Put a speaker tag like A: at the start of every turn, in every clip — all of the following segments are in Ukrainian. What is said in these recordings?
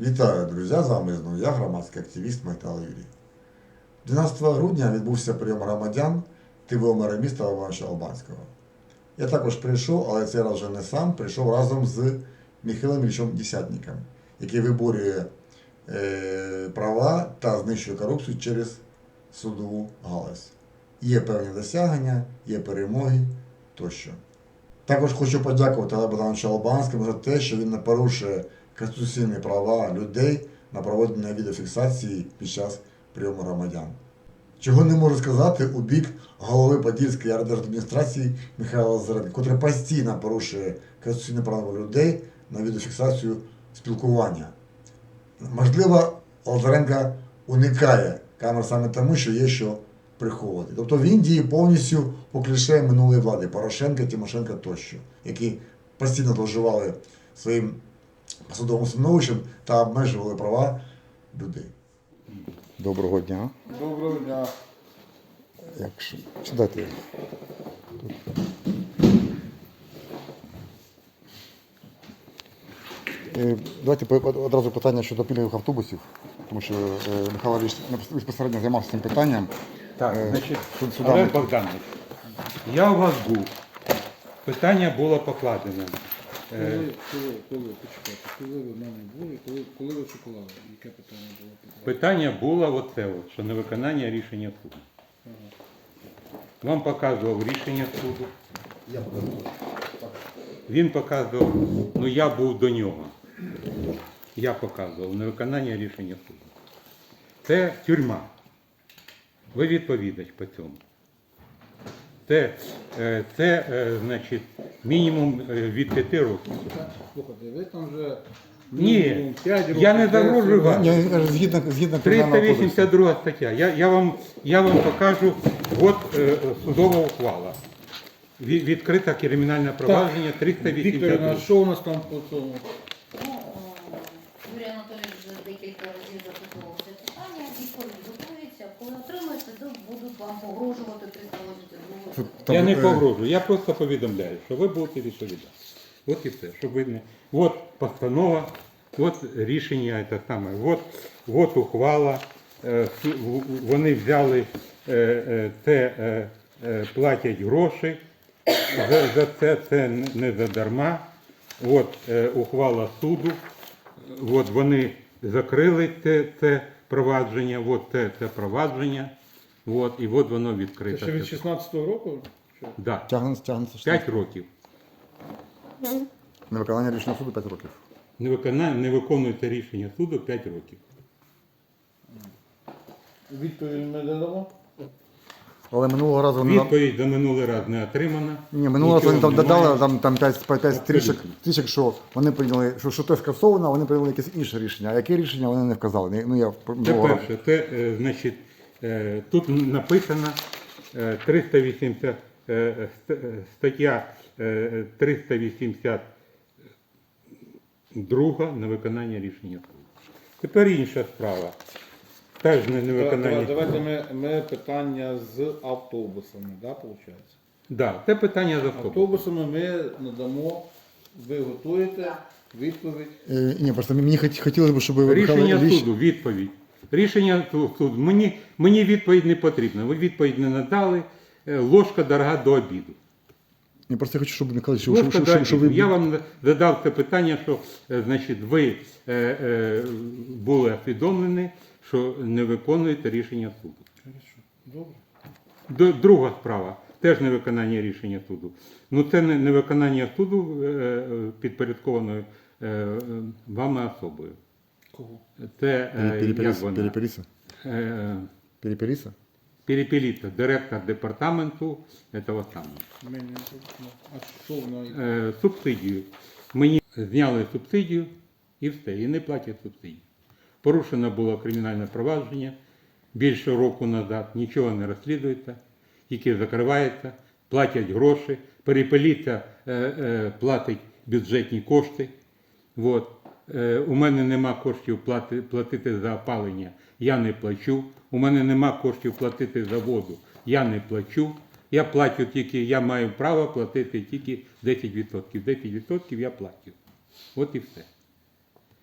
A: Вітаю, друзі! З вами знову я, громадський активіст Майтала Юрій. 12 грудня відбувся прийом громадян ТВО мера міста Івановича Албанського. Я також прийшов, але цей раз вже не сам, прийшов разом з Михайлом Іллічем Десятником, який виборює права та знищує корупцію через судову галузь. Є певні досягнення, є перемоги тощо. Також хочу подякувати Олегу Богдановичу Албанському за те, що він не порушує конституційні права людей на проведення відеофіксації під час прийому громадян. Чого не можу сказати у бік голови Подільської райдержадміністрації Михайла Лазаренка, котрий постійно порушує конституційні права людей на відеофіксацію спілкування. Можливо, Лазаренко уникає камер саме тому, що є що приховувати. Тобто він діє повністю по кліше минулої влади Порошенка, Тимошенка тощо, які постійно зловживали своїм посадовим становищем та обмежували права людей. Доброго дня.
B: Доброго дня.
A: Якщо сідайте. Давайте одразу питання щодо пільгових автобусів, тому що Михайло Ілліч безпосередньо займався цим питанням.
C: Так, значить, Олег Богданович, я у вас був. Питання було покладено.
B: Почекайте, коли ви в мене були, коли ви шоколади? Яке питання було?
C: Питання було оце, що невиконання рішення суду. Вам показував рішення суду. Він показував, ну я був до нього. Я показував невиконання рішення суду. Це тюрма. Ви відповідач по цьому. Це значить, мінімум від 5 років.
B: Слухайте, ви там вже
C: Ні,
B: 5 років.
C: я не загрожую вам.
A: Згідно
C: 382 стаття. Я вам покажу, от судова ухвала. Відкрита кримінальне провадження
B: Вікторівна,
C: 382.
B: що у нас там по цьому?
D: Юрій Анатолійович вже декілька разів запитував це питання, відповідь готується. Коли отримаєте, то будуть вам погрожувати 382.
C: Я не погрожую, я просто повідомляю, що ви будете відповідати. От і все, щоб ви не... От постанова, от рішення, це саме, от ухвала, вони взяли це, платять гроші за це не задарма. От ухвала суду, от вони закрили це провадження, от це провадження, от, і от воно
B: Це
C: відкрите.
B: ще від 16-го року? Що?
C: Да.
A: Тягнеться
C: 5 років.
A: Невиконання рішення суду 5 років.
C: Не виконується рішення суду 5 років.
B: Відповідь ми даємо?
A: Але минулого разу вони
C: Відповідь за минулий раз не отримана.
A: минулого разу вони там
C: Нічого немає.
A: додали там 5 стрічок, що вони прийняли, що те скасовано, а вони прийняли якесь інше рішення. А яке рішення вони не вказали? Ну, я
C: Це перше. Це, значить, тут написано 380, стаття 382 на виконання рішення суду. Тепер інша справа. Теж не виконання.
B: Давайте ми питання з автобусами, да, виходить?
C: Да, це питання за автобус.
B: Автобусами ми надамо, ви готуєте відповідь.
A: Ні, просто мені хотілося б, щоб Михайло
C: Рішення
A: Ілліч...
C: суду, відповідь. Рішення суду. Мені відповідь не потрібна. Ви відповідь не надали. Ложка дорога до обіду.
A: Я просто хочу, щоб Михайло Ілліч,
C: Ложка до
A: щоб
C: обіду.
A: ви...
C: Я вам задав це питання, що значить, ви були усвідомлені, що не виконуєте рішення суду.
B: Хорошо. Добре.
C: Друга справа. Теж невиконання рішення суду. Ну це не виконання суду підпорядкованою вами особою.
B: Кого?
C: Це як вона?
A: Перепеліса? Перепеліса?
C: Перепеліться, директор департаменту этого самого.
B: Ми не... А що вона?
C: Субсидію. Мені зняли субсидію і все, і не платять субсидію. Порушено було кримінальне провадження більше року назад, нічого не розслідується, тільки закривається, платять гроші, перепеліться платить бюджетні кошти. От. У мене нема коштів платити за опалення, я не плачу. У мене нема коштів платити за воду, я не плачу. Я маю право платити тільки 10%. 10% я платю. От і все.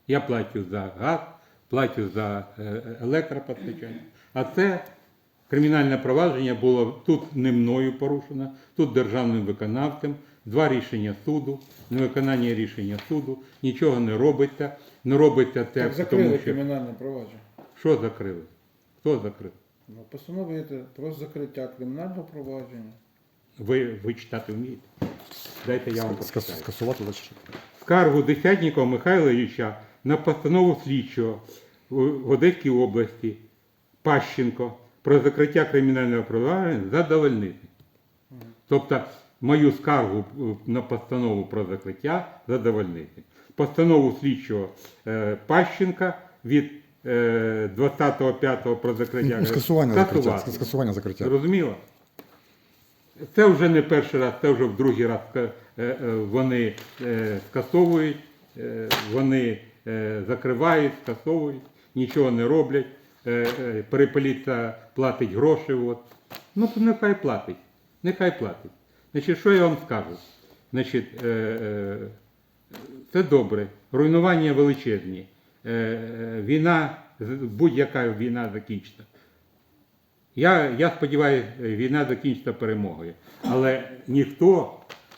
C: Я плачу за газ, плачу за електропостачання. А це кримінальне провадження було тут не мною порушено, тут державним виконавцем, 2 рішення суду, невиконання рішення суду, нічого не робиться. Не робиться це,
B: Так закрили
C: тому що...
B: кримінальне провадження.
C: Що закрили? Хто закрив?
B: Ну, постановити про закриття кримінального провадження.
C: Ви читати вмієте? Дайте я вам почитаю.
A: Скасувати значить.
C: Скаргу Десятнікова Михайла Ілліча на постанову слідчого в Одеській області Пащенко про закриття кримінального провадження задовольнити. Тобто мою скаргу на постанову про закриття задовольнити. Постанову слідчого Пащенка від 20.05 про закриття скасувати.
A: Скасування закриття.
C: Зрозуміло? Це вже не перший раз, це вже в другий раз вони скасовують, вони закривають, скасовують, нічого не роблять, переполіція платить гроші. От. Ну, то нехай платить. Нехай платить. Значить, що я вам скажу? Значить, це добре. Руйнування величезні. Війна, будь-яка війна закінчиться. Я сподіваюся, війна закінчиться перемогою. Але ніхто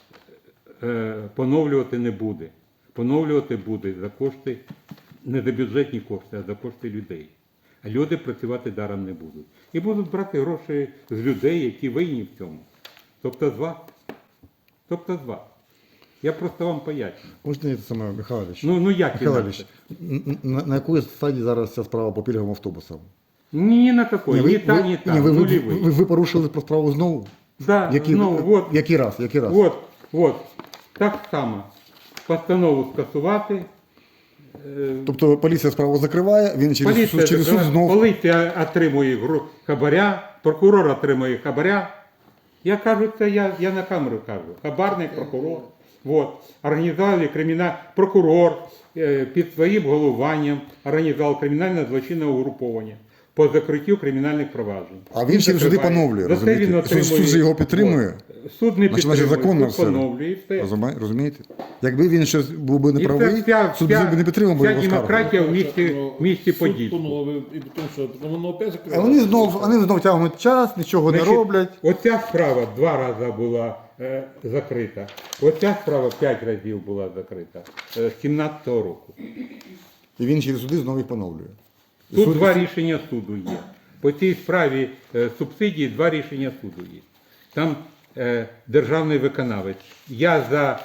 C: поновлювати не буде. Поновлювати буде за кошти, не за бюджетні кошти, а за кошти людей. А люди працювати даром не будуть. І будуть брати гроші з людей, які винні в цьому. Тобто з вас. Тобто з вас. Я просто вам поясню.
A: Можна це саме, Михайлович?
C: Ну як
A: Михайлович, на якій стадії зараз ця справа по пільговим автобусам?
C: Ні на какой, ні та, ні та, нулевий.
A: Ви порушили про справу знову?
C: Да, знову, от.
A: Який раз?
C: От, так само. Постанову скасувати.
A: Тобто поліція справу закриває, він через суд знову...
C: Поліція отримує хабаря, прокурор отримує хабаря. Я кажу, це я на камеру кажу. Хабарник, прокурор. От. Організували прокурор під своїм головуванням організував кримінальне злочинне угруповання по закриттю кримінальних проваджень.
A: А він через суди поновлює, розумієте? Суд же його підтримує.
C: Суд не підтримує,
A: законно
C: суд поновлює і все.
A: Розумієте? Якби він щось був би неправий, суд би не підтримав би його скаргу.
C: Вся демократія в місті
B: Суд
C: Подільську.
B: поновив, і тому що воно опять закрили.
A: А вони знов тягнуть час, нічого не роблять.
C: Оця справа 2 рази була закрита. Оця справа 5 разів була закрита з 17-го року.
A: І він через суди знову їх поновлює.
C: Тут 2 рішення суду є. По цій справі субсидії 2 рішення суду є. Там державний виконавець. Я за...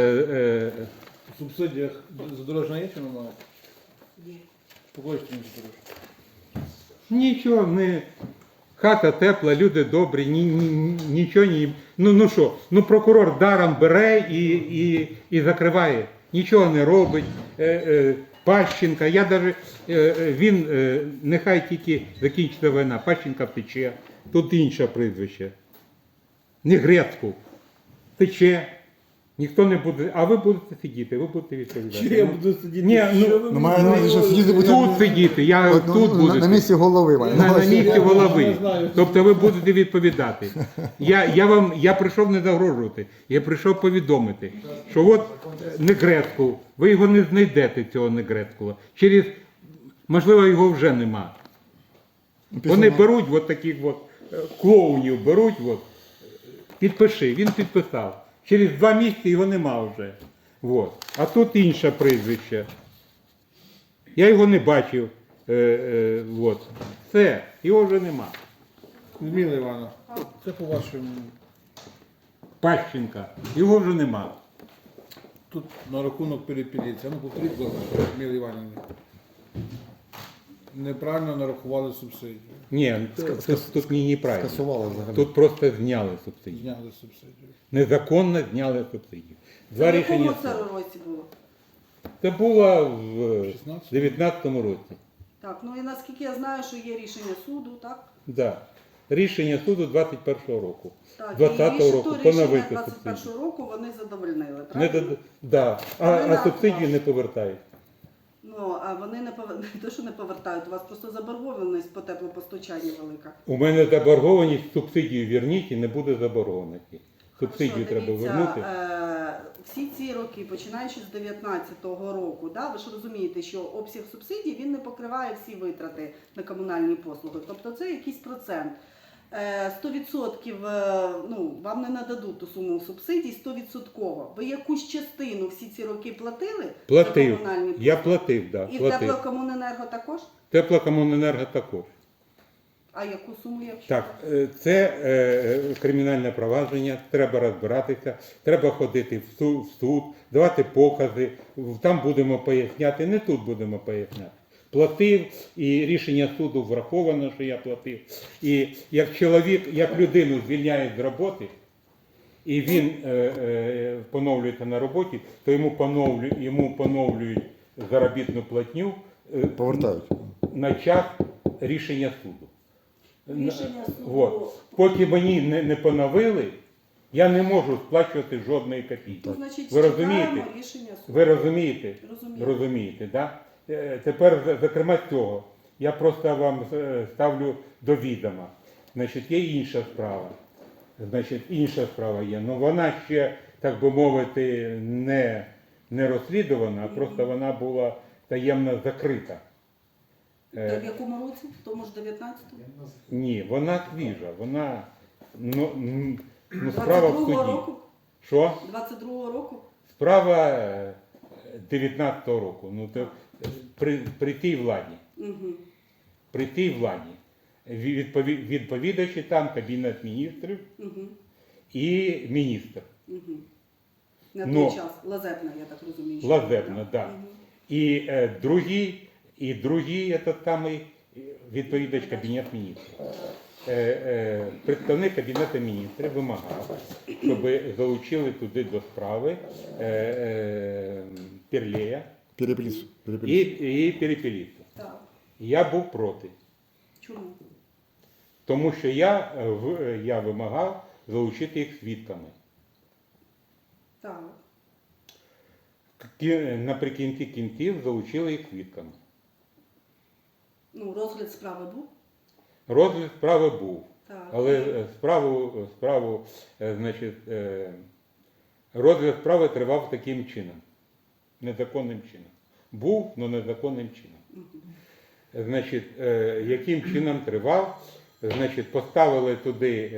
B: В субсидіях задорожна є чи немає? Покажіть мені задорожна.
C: Нічого, хата тепла, люди добрі, нічого не... Ну що, прокурор даром бере і закриває. Нічого не робить. Пащенка, він, нехай тільки закінчиться війна, Пащенка втече, тут інше прізвище. Не Грецьку. Втече, ніхто не буде, а ви будете сидіти, ви будете відповідати.
B: Чи я буду сидіти?
C: Ні,
A: має на увазі, що сидіти будете
C: тут сидіти, тут будете.
A: На місці голови.
C: На місці
B: Я
C: голови.
B: не знаю.
C: Тобто ви будете відповідати. Я прийшов не загрожувати, я прийшов повідомити, що от Негрецьку, ви його не знайдете, цього Негрецького. Можливо, його вже нема. Вони беруть от таких от клоунів, беруть, от, підпиши, він підписав. Через 2 місяці його нема вже. От. А тут інше прізвище. Я його не бачив. От. Все, його вже нема.
B: Зміла Івана, це по вашому.
C: Пащенка. Його вже нема.
B: Тут на рахунок перепіліції. Ну, повторіть, будь ласка, Зміла Іванівна. Неправильно нарахували субсидію.
C: Ні, тут неправильно.
A: Скасували взагалі.
C: Тут просто зняли субсидію.
B: Зняли субсидію.
C: Незаконно зняли субсидію. 2
E: В якому
C: рішення
E: це
C: суду.
E: році було?
C: Це було в
B: 16?
C: 19-му році.
E: Так, ну і наскільки я знаю, що є рішення суду, так?
C: Да. Рішення суду 21-го року.
E: Так,
C: 20-го року
E: то рішення
C: поновити
E: 21
C: субсидію.
E: року вони задовольнили,
C: Не
E: правильно?
C: да. А субсидії не повертають.
E: Ну, а вони не те, що не повертають, у вас просто заборгованість по теплопостачанню велика.
C: У мене заборгованість, субсидію верніть і не буде заборгованості. Субсидію
E: Що,
C: треба
E: дивіться,
C: вернути.
E: Всі ці роки, починаючи з 2019 року, да, ви ж розумієте, що обсяг субсидій він не покриває всі витрати на комунальні послуги. Тобто це якийсь процент. 100% ну, вам не нададуть ту суму субсидій 100%. Ви якусь частину всі ці роки платили за
C: Платив.
E: комунальні послуги?
C: Я платив, да,
E: І в
C: платив.
E: теплокомуненерго також?
C: Теплокомуненерго також.
E: А яку суму, якщо?
C: Так, це кримінальне провадження, треба розбиратися, треба ходити в суд, давати покази, там будемо поясняти, не тут будемо поясняти. Платив, і рішення суду враховано, що я платив. І як чоловік, як людину звільняють з роботи, і він поновлюється на роботі, то йому поновлюють заробітну платню
A: Повертають.
C: на час рішення суду.
E: Рішення суду.
C: От. Поки мені не поновили, я не можу сплачувати жодної копійки.
E: Ну, значить,
C: Ви
E: чекаємо
C: розумієте?
E: рішення суду.
C: Ви розумієте?
E: Розумію.
C: Розумієте, да? Тепер, зокрема, цього. Я просто вам ставлю до відома. Значить, є інша справа. Значить, інша справа є. Ну вона ще, так би мовити, не розслідувана, а просто вона була таємно закрита.
E: В якому році? В тому ж 19-му?
C: Ні, вона свіжа, вона справа в
E: 22-го
C: суді.
E: року?
C: Що?
E: 22-го року?
C: Справа 19-го року. Ну, то при тій владі.
E: Угу.
C: При тій владі. Відповідачі там Кабінет міністрів
E: Угу.
C: і міністр.
E: Угу. На
C: Но-
E: той час. Лазебна, я так розумію. що
C: Лазебна,
E: була.
C: да.
E: Мгм.
C: І другий этот самий відповідач Кабінет міністрів. Представник Кабінету міністрів вимагав, щоб залучили туди до справи Перлея
A: Перепліс.
C: і Перепеліцу.
E: Так.
C: Я був проти,
E: Чому?
C: тому що я вимагав залучити їх свідками.
E: Так.
C: Наприкінці кінців залучили їх свідками.
E: Ну, розгляд справи був?
C: Розгляд справи був,
E: Так.
C: але розгляд справи тривав таким чином, незаконним чином. Був, але незаконним чином. Значить, яким чином тривав? Значить, поставили туди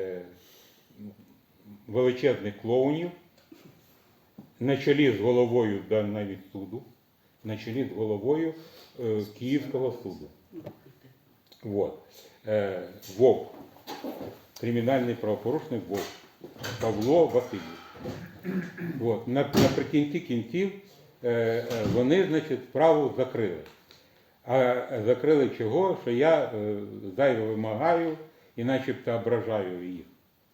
C: величезних клоунів, на чолі з головою навіть суду, на чолі з головою Київського суду. Вот. Вовк, кримінальний правопорушник Вовк, Павло Васильович. Вот. Наприкінці кінців вони, значить, справу закрили. А закрили чого? Що я зайво вимагаю і начебто ображаю їх.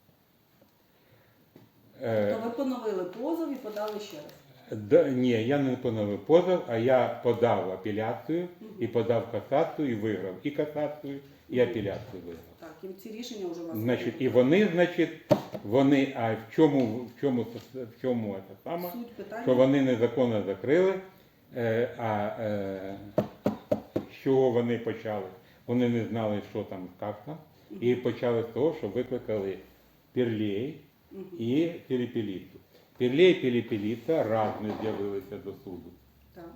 E: То ви поновили позов і подали ще раз?
C: Ні, я не поновив позов, а я подав апеляцію і подав касацію і виграв. І касацію, і апеляцію виграв.
E: Так, і ці рішення вже у вас.
C: Значить, і вони, а в чому це саме?
E: Суть питання.
C: Що вони незаконно закрили, з чого вони почали? Вони не знали, що там, як там, і почали з того, що викликали Перлей і Перепеліцу. Перлей і Перепеліця раз не з'явилися до суду.
E: Так.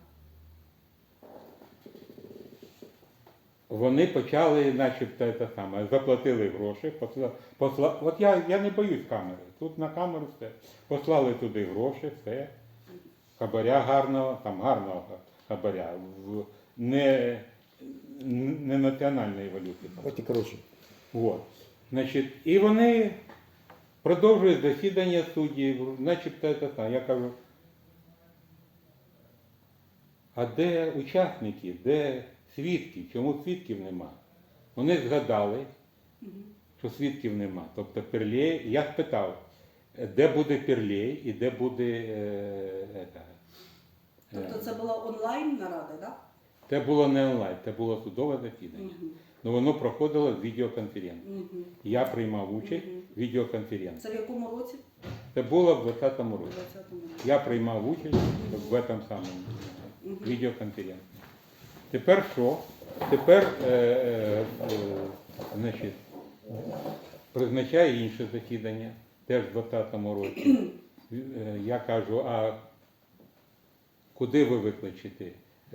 C: Вони почали, начебто, те саме, заплатили гроші, от я не боюсь камери, тут на камеру все. Послали туди гроші, все, хабаря гарного, там гарного хабаря, не національної валюти.
A: От і коротше.
C: От. Значить, і вони продовжують засідання суддів, начебто це саме. Я кажу, а де учасники, де свідки? Чому свідків нема? Вони згадали, що свідків нема. Тобто Перлей, я спитав, де буде Перлей і де буде
E: Тобто це була онлайн нарада, так?
C: Це було не онлайн, це було судове засідання. Ну воно проходило з відеоконференції. Я приймав участь в відеоконференції.
E: Це в якому році?
C: Це було в 2020 році.
E: 20-му році.
C: Я приймав участь в этом самому відеоконференції. Тепер що? Тепер значить, призначає інше засідання, теж в 2020 році. Я кажу, а куди ви викличете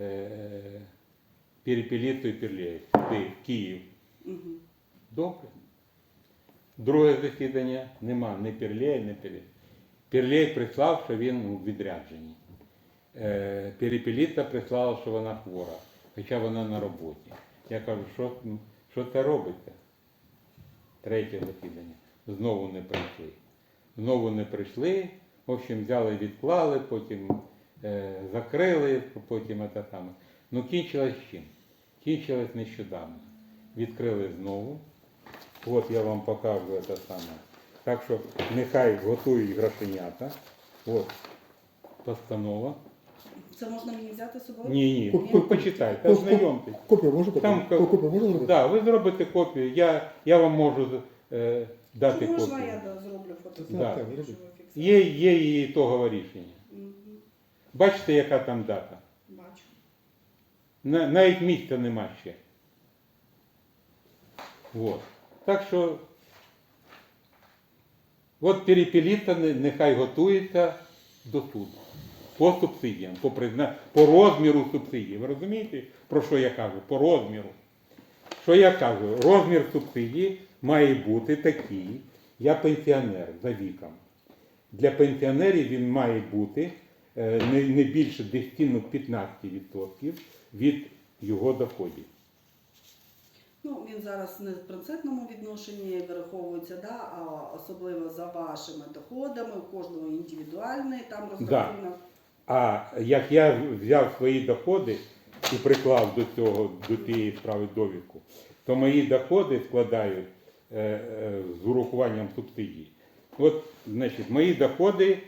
C: Перепеліту і Пірлєєв? Куди? В Київ.
E: Мгм.
C: Добре. Друге засідання нема ні Пірлєєв, ні Пірлєєв. Пірлєєв прислав, що він у відрядженні. Перепеліта прислала, що вона хвора, хоча вона на роботі. Я кажу, що це робиться? Третє засідання. Знову не прийшли. Знову не прийшли. В общем, взяли, відклали, потім закрили, потім це саме. Ну, кінчилось чим? Кінчилось нещодавно. Відкрили знову. От я вам покажу це саме. Так що нехай готують грошенята. От постанова.
E: Це можна мені взяти з собою?
C: Ні, почитайте, ознайомтесь.
A: Копію можу
C: Там
A: Копію можна зробити?
C: да, ви зробите копію, я вам можу дати
E: Чи можна
C: копію.
E: я зроблю фото?
C: Да.
A: Так, зробіть.
C: Є і ітогове рішення.
E: Мгм.
C: Бачите, яка там дата?
E: Бачу.
C: Навіть місця нема ще. Вот. Так що, от Перепеліта нехай готується до суду. По субсидіям, по розміру субсидій. Ви розумієте, про що я кажу? По розміру. Що я кажу? Розмір субсидії має бути такий. Я пенсіонер за віком. Для пенсіонерів він має бути не більше 10-15% від його доходів.
E: Ну, він зараз не в процентному відношенні вираховується, да, а особливо за вашими доходами, у кожного індивідуальний там розрахунок.
C: А як я взяв свої доходи і приклав до цієї справи довідку, то мої доходи складають з урахуванням субсидій. От, значить, мої доходи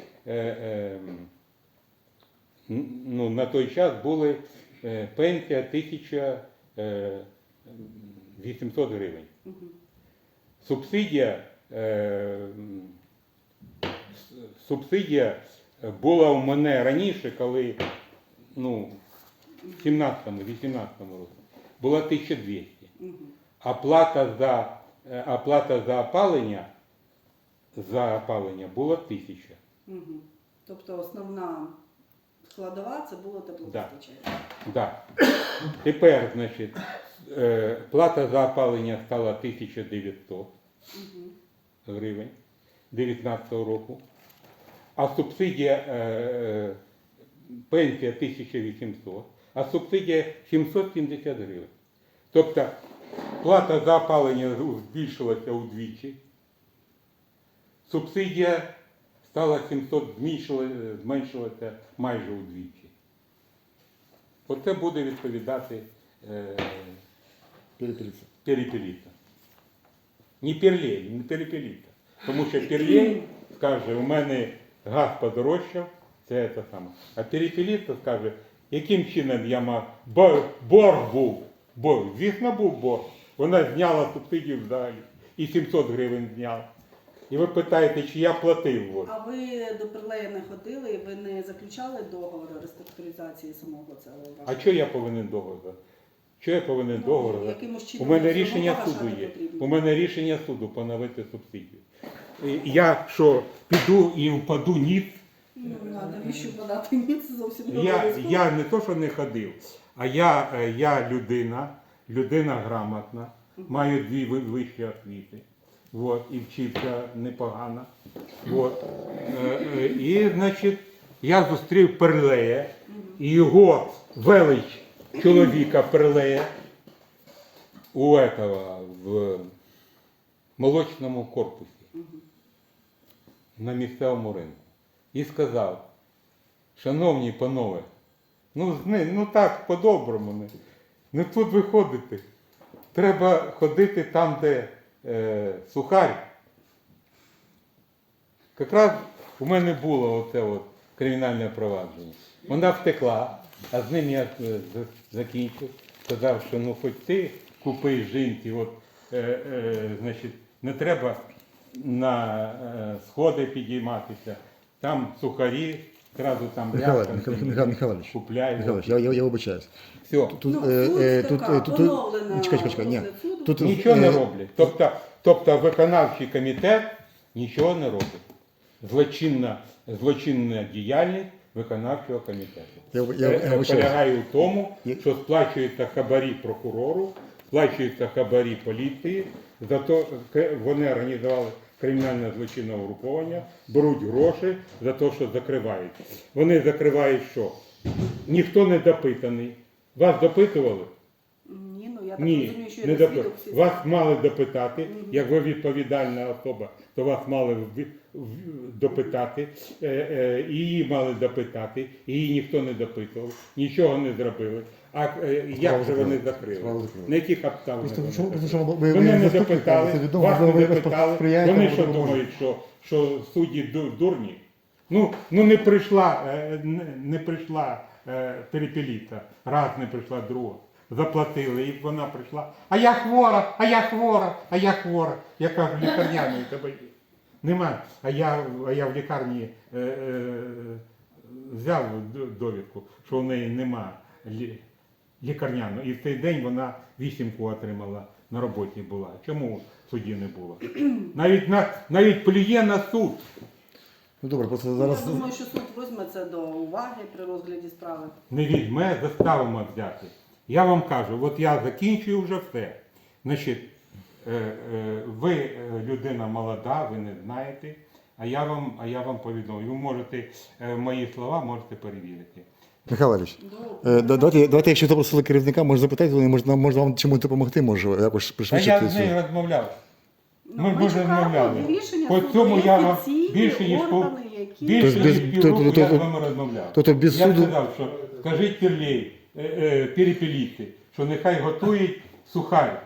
C: на той час були пенсія 1800 гривень.
E: Мгм.
C: Субсидія була у мене раніше, коли в 17-18 році, була 1200.
E: Мгм.
C: Оплата за опалення була 1000.
E: Мгм. Тобто основна складова це було теплопостачання.
C: Да. Тепер, значить, плата за опалення стала 1900
E: Мгм.
C: гривень 2019 року, а субсидія, пенсія 1800, а субсидія 770 гривень. Тобто плата за опалення збільшилася удвічі, субсидія стала 700, зменшилася майже удвічі. Оце буде відповідати Перепеліта. Не Пірлєєв, не Перепеліта. Тому що Пірлєєв скаже, у мене газ подорожчав, це те саме. А Перепеліта скаже, яким чином я мав, борг був, звісно був борг. Вона зняла субсидію взагалі і 700 гривень зняла. І ви питаєте, чи я платив. От.
E: А ви до Пірлея не ходили, і ви не заключали договор реструктуризації самого цього?
C: А що я повинен договор? Що я повинен
E: Ну,
C: договор?
E: якимось
C: У
E: чином
C: мене
E: його
C: рішення
E: погашати
C: суду є.
E: потрібно.
C: У мене рішення суду поновити субсидію. І я що, піду і впаду ніц?
E: Ну, а навіщо подати ні, це зовсім не
C: Я
E: обов'язково.
C: не то, що не ходив, а я людина грамотна, маю 2 вищі освіти. Вот, і вчився непогано. Вот. І, значить, я зустрів Перлея і його велич чоловіка Перлея в молочному корпусі на місцевому ринку. І сказав, шановні панове, ну так, по-доброму, не тут ви ходите. Треба ходити там, де сухарь. Якраз у мене було оце кримінальне провадження. Вона втекла, а з ним я закінчив. Сказав, що хоч ти купи жінки, значить, не треба на сходи підійматися. Там сухарі, одразу там
A: Михайлович,
C: купляй.
A: Михайлович, я вибачаюсь.
C: Все.
A: Тут,
E: Суд поновлена
A: чекай, ні.
E: розгляд суду.
A: Тут,
C: Нічого не роблять. Тобто виконавчий комітет нічого не робить. злочинна діяльність виконавчого комітету.
A: Я вибачаюсь.
C: Полягає в тому,
A: Я-
C: що сплачуються хабарі прокурору, сплачуються хабарі поліції, зато вони організували кримінальне злочинне угруповання, беруть гроші за те, що закривають. Вони закривають що? Ніхто не допитаний. Вас допитували?
E: Ні, ну я так
C: Ні,
E: розумію, що
C: не
E: я
C: допитували.
E: свідок всі.
C: Вас мали допитати, як ви відповідальна особа, то вас мали допитати, її мали допитати, її ніхто не допитував, нічого не зробили. А як же вони закрили?
A: Справу закрили.
C: На яких обставинах?
A: Просто
C: вони
A: тому
C: закрили?
A: що ви
C: Вони не
A: заступник,
C: допитали,
A: це відомо,
C: вас
A: можливо,
C: не
A: ви якось
C: допитали.
A: сприяєте,
C: Вони що
A: можливо,
C: думають, що судді дурні? Ну не прийшла Перепеліта, раз не прийшла, друга. Заплатили, і вона прийшла. А я хвора, а я хвора, а я хвора. Я кажу, лікарняної тебе є. Нема. А я в лікарні взяв довідку, що в неї нема лікарняного. І в цей день вона 8 отримала, на роботі була. Чому судді не було? Навіть плює на суд.
A: Ну добре, просто зараз.
E: Я думаю, що суд візьме це до уваги при розгляді справи.
C: Не візьме, заставимо взяти. Я вам кажу, от я закінчую вже все. Значить, ви людина молода, ви не знаєте, а я вам повідомлю. Ви можете, мої слова можете перевірити.
A: Михайло Ильич, давайте, якщо запросили керівника, може запитати, може вам чимось допомогти, може якось
C: Та
A: пришвидшити
C: я з нею розмовляв.
E: Ну,
C: Ми вже
E: чекаємо
C: розмовляли.
E: рішення
C: По
E: суду,
C: цьому
E: є
C: я вам
E: офіційні
C: більше ніж
E: органи, які-
C: більше
A: Тобто без-
C: ніж півроку я з
A: тобто-
C: вами розмовляв.
A: тобто без
C: Я
A: суду-
C: сказав, що скажіть Пірлей, Перепеліти, що нехай готують сухарь.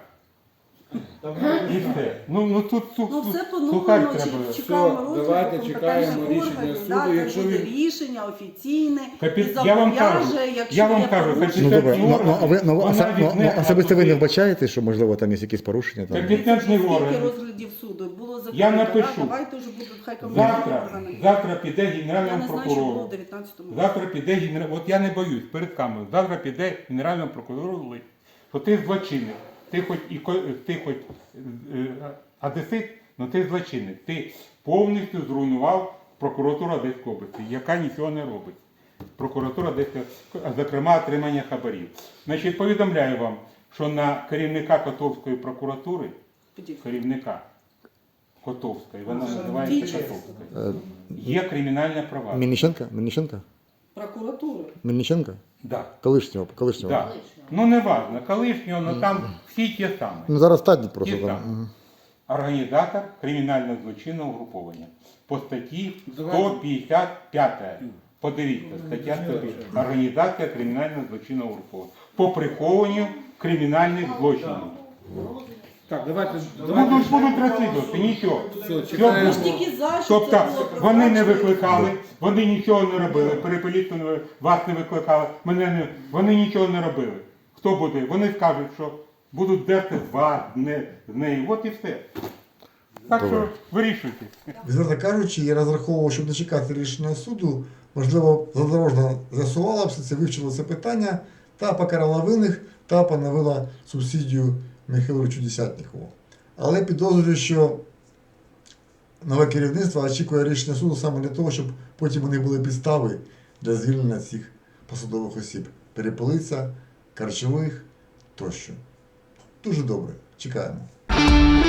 C: І все. Ну тут
E: Ну, все
C: сухарь
E: по-новому
C: треба.
E: чекаємо
B: Все,
E: розгляду
B: давайте
E: компетентних
B: чекаємо рішення
E: органів,
B: суду,
E: да,
B: якщо
E: це буде
B: він-
E: рішення офіційне і
C: Я вам кажу,
E: зобов'яже, якщо
C: я вам
E: є
C: кажу,
E: порушення.
A: Ну добре, а ви
C: Вона від них
A: особисто ви не
C: апелює.
A: вбачаєте, що можливо там є якісь порушення? Там?
C: Компетентний
E: Скільки
C: орган.
E: розглядів суду було закрито,
C: Я напишу.
E: да, давайте вже будуть хай компетентні органи.
C: Завтра піде
E: Я
C: генеральному
E: не знаю, що було
C: прокурору.
E: в 19-му році.
C: Завтра піде от я не боюсь перед камерою. Завтра піде генеральному прокурору лист, що ти злочинник, ти хоч одесит, але ти злочинник. Ти повністю зруйнував прокуратуру Одеської області, яка нічого не робить. Прокуратура Одеської, зокрема, отримання хабарів. Значить, повідомляю вам, що на керівника Котовської прокуратури, керівника Котовської, вона називається Котовська, є кримінальне провадження.
A: Мельниченка?
E: Прокуратури.
A: Мельниченка?
C: Да.
A: Колишнього.
C: Да. Ну не важно, колишнього, але там всі ті самі.
A: Ну зараз стадні просто
C: Ті
A: там.
C: самі.
A: Мгм.
C: Організатор кримінального злочинного угруповання. По статті 155. Подивіться, стаття 155. Організація кримінального злочинного угруповання. По прихованню кримінальних злочинів.
B: Так, давайте
C: Будуть розслідувати, нічого.
B: Все,
C: Все
B: чекаємо.
C: буде.
E: Тільки за, що
C: Тобто
E: це було
C: вони не
E: прозрачно.
C: викликали, вони нічого не робили, перепелітку вас не викликали, вони нічого не робили. Хто буде? Вони скажуть, що будуть дерти з вас, не з неї. От і все. Так що
A: Добре.
C: вирішуйте.
A: Відверто кажучи, я розраховував, щоб дочекати рішення суду, можливо, задорожно з'ясувала все це, вивчила це питання та покарала винних та поновила субсидію Михайловичу Десятникову. Але підозрюю, що нове керівництво очікує рішення суду саме для того, щоб потім у них були підстави для звільнення цих посадових осіб. Перепелиця, Карчових тощо. Дуже добре. Чекаємо.